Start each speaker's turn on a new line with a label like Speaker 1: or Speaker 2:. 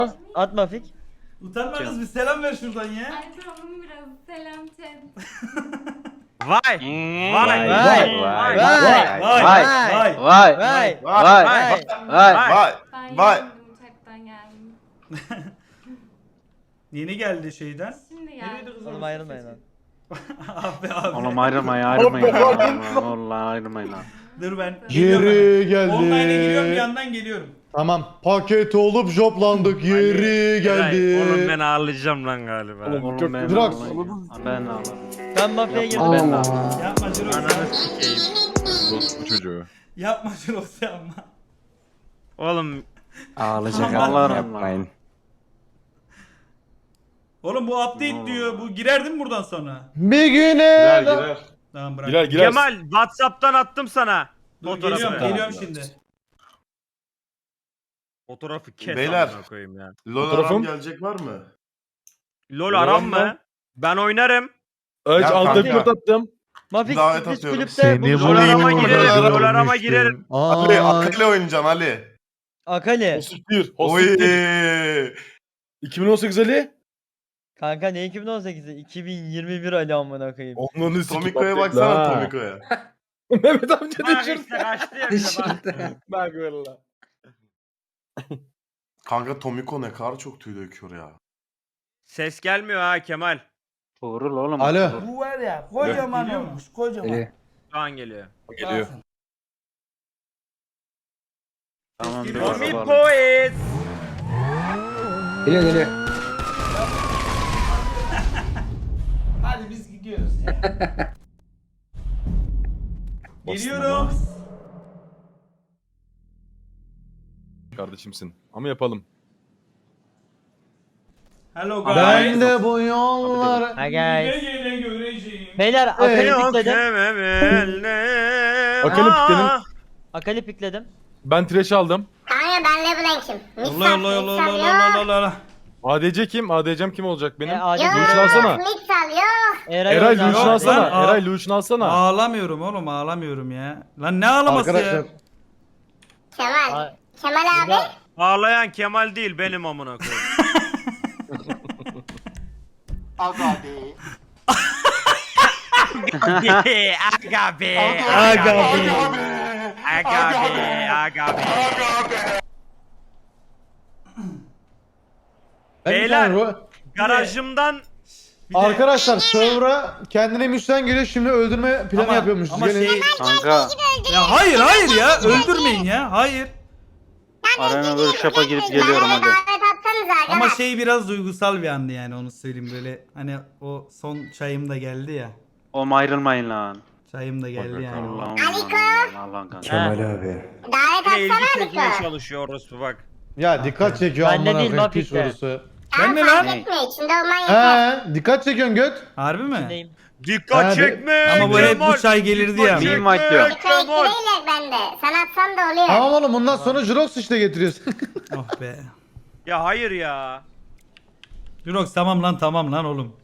Speaker 1: At Mafik.
Speaker 2: Utanmadınız bir selam ver şuradan ya.
Speaker 3: Ay tamam biraz selam chat.
Speaker 4: Vay.
Speaker 1: Vay.
Speaker 4: Vay.
Speaker 1: Vay.
Speaker 2: Vay.
Speaker 1: Vay.
Speaker 2: Vay.
Speaker 1: Vay.
Speaker 5: Vay.
Speaker 3: Ben
Speaker 5: Vay.
Speaker 3: yendim uçaktan geldim.
Speaker 2: Yeni geldi şeyden.
Speaker 3: Şimdi
Speaker 2: Nereydi
Speaker 3: geldim.
Speaker 2: kız
Speaker 1: Oğlum
Speaker 2: orası?
Speaker 1: ayrılmayın lan.
Speaker 2: Abi.
Speaker 4: Oğlum ayrılmayın Vallahi ayrılmayın lan.
Speaker 2: Dur ben.
Speaker 6: Geri
Speaker 2: Online'a giriyorum bir
Speaker 6: geldi.
Speaker 2: yandan geliyorum.
Speaker 6: Tamam. Paket olup joplandık. Geri geldi.
Speaker 4: Oğlum ben ağlayacağım lan galiba. Oğlum ben
Speaker 6: Drax.
Speaker 4: ağlayacağım. Ben ağlarım.
Speaker 1: Ben Mafik'e girdim.
Speaker 4: Ben ağlarım.
Speaker 2: Yapma Jirox.
Speaker 4: Ananı sikeyim.
Speaker 7: Bu çocuğu.
Speaker 2: Yapma Jirox yapma.
Speaker 4: Oğlum
Speaker 2: Ağlayacak
Speaker 4: ağlarım lan.
Speaker 2: Oğlum bu update diyor. Bu girer değil mi buradan sonra?
Speaker 6: Bir güne.
Speaker 2: Tamam bırak.
Speaker 7: Girer girer.
Speaker 4: Kemal WhatsApp'tan attım sana.
Speaker 2: Dur,
Speaker 4: Fotoğrafı.
Speaker 2: geliyorum şimdi.
Speaker 4: Fotoğrafı kes
Speaker 5: Beyler.
Speaker 4: amına koyayım ya.
Speaker 5: LOL
Speaker 7: Fotoğrafım.
Speaker 5: aram gelecek var mı?
Speaker 4: LOL aram
Speaker 7: Aram
Speaker 4: mı? Ben oynarım.
Speaker 7: Aç
Speaker 5: Ya
Speaker 7: altta
Speaker 5: kanka.
Speaker 7: port attım.
Speaker 1: Mafik
Speaker 5: Davet
Speaker 1: sürpriz
Speaker 5: atıyorum.
Speaker 1: kulüpte
Speaker 4: LOL
Speaker 1: buluşalım.
Speaker 4: arama
Speaker 5: bulayım.
Speaker 4: girerim.
Speaker 5: LOL
Speaker 4: LOL arama girerim.
Speaker 5: Ali, Akali oynayacaksın Ali.
Speaker 1: Akali.
Speaker 7: Hostik 1.
Speaker 5: Oy.
Speaker 7: Hostik 1. 2018 Ali.
Speaker 1: Kanka ne 2018'i? 2021 Ali amına koyayım.
Speaker 7: Onların
Speaker 5: Tomiko'ya baksana Tomiko'ya.
Speaker 7: Mehmet amca
Speaker 4: Bak
Speaker 7: düşürdü.
Speaker 4: işte kaçtı ya bize bak.
Speaker 7: Bak valla.
Speaker 5: Kanka Tomiko ne kadar çok tüy döküyor ya.
Speaker 4: Ses gelmiyor ha Kemal.
Speaker 8: Doğru oğlum.
Speaker 6: Alo.
Speaker 2: Bu var ya kocaman
Speaker 5: Geliyor mu?
Speaker 2: olmuş kocaman.
Speaker 4: Şu an geliyor.
Speaker 7: Geliyor.
Speaker 8: Tamam dur.
Speaker 4: Tommy
Speaker 8: oğlum.
Speaker 4: Boys.
Speaker 8: Geliyor geliyor.
Speaker 2: Hadi biz gidiyoruz ya. Geliyorum.
Speaker 7: Kardeşimsin. Ama yapalım.
Speaker 2: Hello guys.
Speaker 6: Ben de bu yollar.
Speaker 1: Ha
Speaker 2: Gele
Speaker 1: guys.
Speaker 2: gele göreceğim.
Speaker 1: Beyler Akali
Speaker 4: Yok
Speaker 1: pikledim.
Speaker 7: Akali pikledim.
Speaker 1: Akali pikledim.
Speaker 7: Ben trash aldım.
Speaker 3: Kanka ben LeBlanc'im.
Speaker 2: Allah Allah Allah Allah Allah Allah Allah.
Speaker 7: ADC kim? ADC'm kim olacak benim?
Speaker 1: Adil.
Speaker 7: Lucian alsana.
Speaker 3: Mix al yok.
Speaker 1: Eray
Speaker 7: Eray
Speaker 1: oynar.
Speaker 7: Lucian
Speaker 2: Lan,
Speaker 7: alsana.
Speaker 2: aa.
Speaker 7: Eray Lucian alsana.
Speaker 2: Ağlamıyorum oğlum ağlamıyorum ya. Lan ne ağlaması
Speaker 6: Arkadaşlar.
Speaker 2: ya?
Speaker 3: Kemal.
Speaker 1: Ay.
Speaker 3: Kemal abi.
Speaker 4: Ağlayan Kemal değil benim amına koyayım.
Speaker 5: Aga be.
Speaker 4: Aga be.
Speaker 2: Aga be.
Speaker 4: Aga be. Aga be. Beyler. Garajımdan
Speaker 2: Bir de-
Speaker 6: Arkadaşlar server'a kendine müsten geliyor, şimdi öldürme planı
Speaker 2: Ama-
Speaker 6: yapıyormuş.
Speaker 2: ama
Speaker 6: Gelin.
Speaker 2: şey-
Speaker 8: Kanka.
Speaker 2: Ya hayır ya öldürmeyin ya hayır.
Speaker 8: Arena workshop'a girip geliyorum hadi.
Speaker 3: Davet atsanıza aga.
Speaker 2: Ama şey biraz duygusal bir andı yani onu söyleyeyim böyle hani o son çayım da geldi ya.
Speaker 8: Oğlum ayrılmayın lan.
Speaker 2: Çayım da geldi yani.
Speaker 8: Allah'ım
Speaker 3: Aliko.
Speaker 8: Allah'ım kanka.
Speaker 1: Kemal
Speaker 3: Davet
Speaker 4: ilgi
Speaker 3: atsana
Speaker 4: çekmeye
Speaker 3: Aliko.
Speaker 4: çalışıyor orospu bak.
Speaker 6: Ya dikkat çekiyor
Speaker 1: Ben de
Speaker 6: amına
Speaker 1: değil,
Speaker 6: koyayım piç
Speaker 1: Mafik'te.
Speaker 6: sorusu.
Speaker 2: Ben ne lan?
Speaker 8: Ne?
Speaker 3: Etme içinde olman yeter.
Speaker 6: He, dikkat çekiyorsun göt.
Speaker 2: Harbi mi?
Speaker 1: İçindeyim.
Speaker 4: Dikkat
Speaker 6: Abi,
Speaker 4: çekme.
Speaker 2: Ama bu hep bu
Speaker 4: Kemal.
Speaker 2: çay gelirdi ya.
Speaker 4: Dikkat
Speaker 8: Meme
Speaker 4: çekme,
Speaker 8: diyor.
Speaker 3: Dikkat
Speaker 4: Kemal.
Speaker 3: ettireyler bende. Sen atsan da oluyor.
Speaker 6: Tamam oğlum, bundan sonra Jirox işte getiriyorsun.
Speaker 2: Oh be.
Speaker 4: Ya hayır ya.
Speaker 2: Jurox tamam lan oğlum.